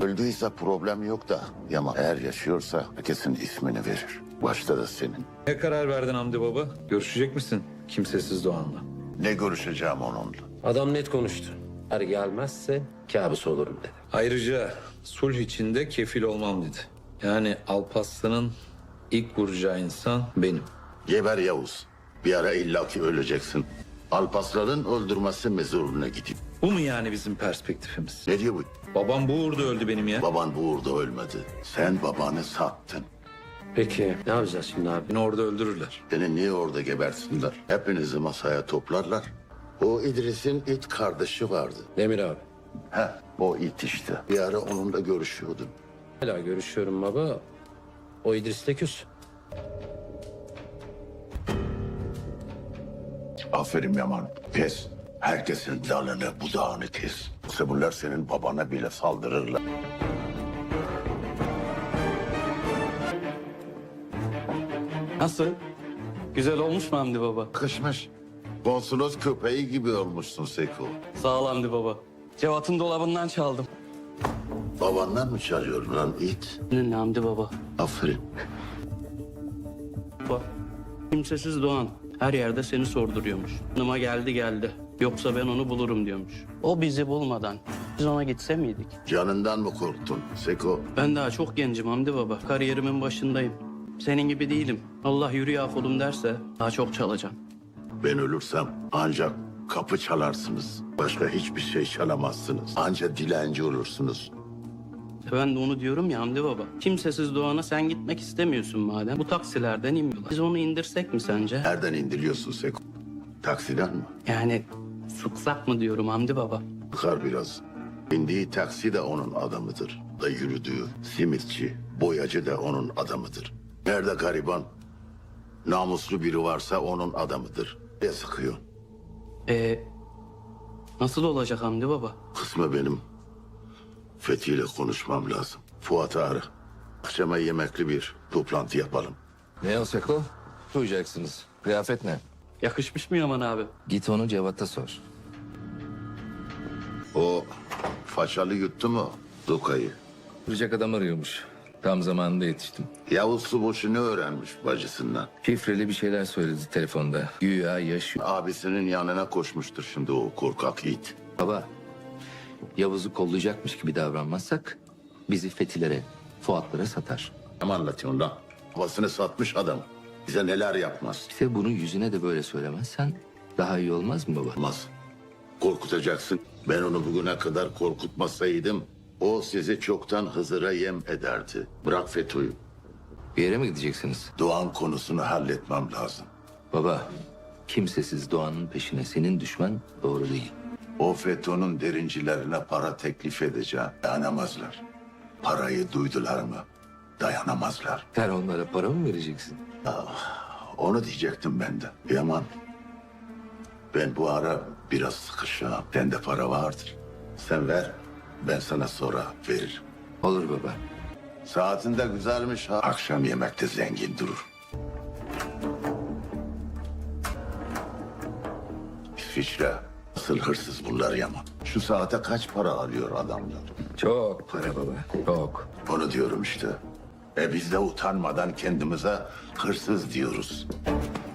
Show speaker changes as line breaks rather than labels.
Öldüyse problem yok da Yaman eğer yaşıyorsa herkesin ismini verir. Başta da senin.
Ne karar verdin Hamdi Baba? Görüşecek misin Kimsesiz Doğan'la?
Ne görüşeceğim onunla?
Adam net konuştu. Eğer gelmezse kabus olurum dedi.
Ayrıca sulh içinde kefil olmam dedi. Yani Alparslan'ın ilk vuracağı insan benim.
Geber Yavuz. Bir ara illaki öleceksin. Alpasların öldürmesi mezuruna gideyim.
Bu mu yani bizim perspektifimiz?
Ne diyor bu?
Babam bu uğurda öldü benim ya.
Baban bu uğurda ölmedi. Sen babanı sattın.
Peki ne yapacağız şimdi abi?
Beni orada öldürürler.
Seni niye orada gebersinler? Hepinizi masaya toplarlar. O İdris'in it kardeşi vardı.
Demir abi.
O it işte. Bir ara onunla görüşüyordun.
Hala görüşüyorum baba. O İdris'le küs.
Aferin Yaman. Kes. Herkesin dalını budağını kes. Yoksa bunlar senin babana bile saldırırlar.
Nasıl? Güzel olmuş mu Hamdi Baba?
Kışmış. Konsolos köpeği gibi olmuşsun Seko.
Sağ ol Hamdi Baba. Cevat'ın dolabından çaldım.
Babandan mı çalıyorsun lan it?
Ne Hamdi Baba?
Aferin.
Bak. Kimsesiz Doğan her yerde seni sorduruyormuş. Yanıma geldi. Yoksa ben onu bulurum diyormuş. O bizi bulmadan biz ona gitse miydik?
Canından mı korktun Seko?
Ben daha çok gencim Hamdi Baba. Kariyerimin başındayım. Senin gibi değilim. Allah yürü ya kulum derse daha çok çalacağım.
Ben ölürsem ancak kapı çalarsınız. Başka hiçbir şey çalamazsınız. Ancak dilenci olursunuz.
Ben de onu diyorum ya Hamdi Baba. Kimsesiz Doğan'a sen gitmek istemiyorsun madem. Bu taksilerden inmiyorlar. Biz onu indirsek mi sence?
Nereden indiriyorsun Seko? Taksiden mi?
Yani sıksak mı diyorum Hamdi Baba?
Bakar biraz. Bindiği taksi de onun adamıdır. Da yürüdüğü simitçi, boyacı da onun adamıdır. Nerede gariban, namuslu biri varsa onun adamıdır. Ne sıkıyor?
Nasıl olacak Hamdi Baba?
Kısmı benim. Fethi ile konuşmam lazım. Fuat'ı ara. Akşama yemekli bir toplantı yapalım.
Ne o Seko? Duyacaksınız. Kıyafet ne?
Yakışmış mı Yaman abi?
Git onu Cevat'a sor.
O façalı yuttu mu Duka'yı?
Vuracak adam arıyormuş. Tam zamanında yetiştim.
Yavuz Suboş'u ne öğrenmiş bacısından?
Şifreli bir şeyler söyledi telefonda. Güya yaşıyor.
Abisinin yanına koşmuştur şimdi o korkak it.
Baba, Yavuz'u kollayacakmış gibi davranmazsak bizi Fetilere, Fuatlara satar.
Ne anlatıyorsun lan? Babasını satmış adam. Bize neler yapmaz.
İşte bunu yüzüne de böyle söylemezsen daha iyi olmaz mı baba?
Olmaz. Korkutacaksın. Ben onu bugüne kadar korkutmasaydım o sizi çoktan Hızır'a yem ederdi. Bırak FETÖ'yü.
Bir yere mi gideceksiniz?
Doğan konusunu halletmem lazım.
Baba, kimsesiz Doğan'ın peşine senin düşman doğru değil.
O FETÖ'nün derincilerine para teklif edeceğim. Dayanamazlar. Parayı duydular mı dayanamazlar.
Sen onlara para mı vereceksin?
Onu diyecektim ben de. Yaman, ben bu ara biraz sıkışığım. Bende para vardır. Sen ver, ben sana sonra veririm.
Olur baba.
Saatinde güzelmiş ha. Akşam yemekte zengin durur. İsviçre. Asıl hırsız bunlar Yaman. Şu saate kaç para alıyor adamlar?
Çok para baba, çok.
Onu diyorum işte. Biz de utanmadan kendimize hırsız diyoruz.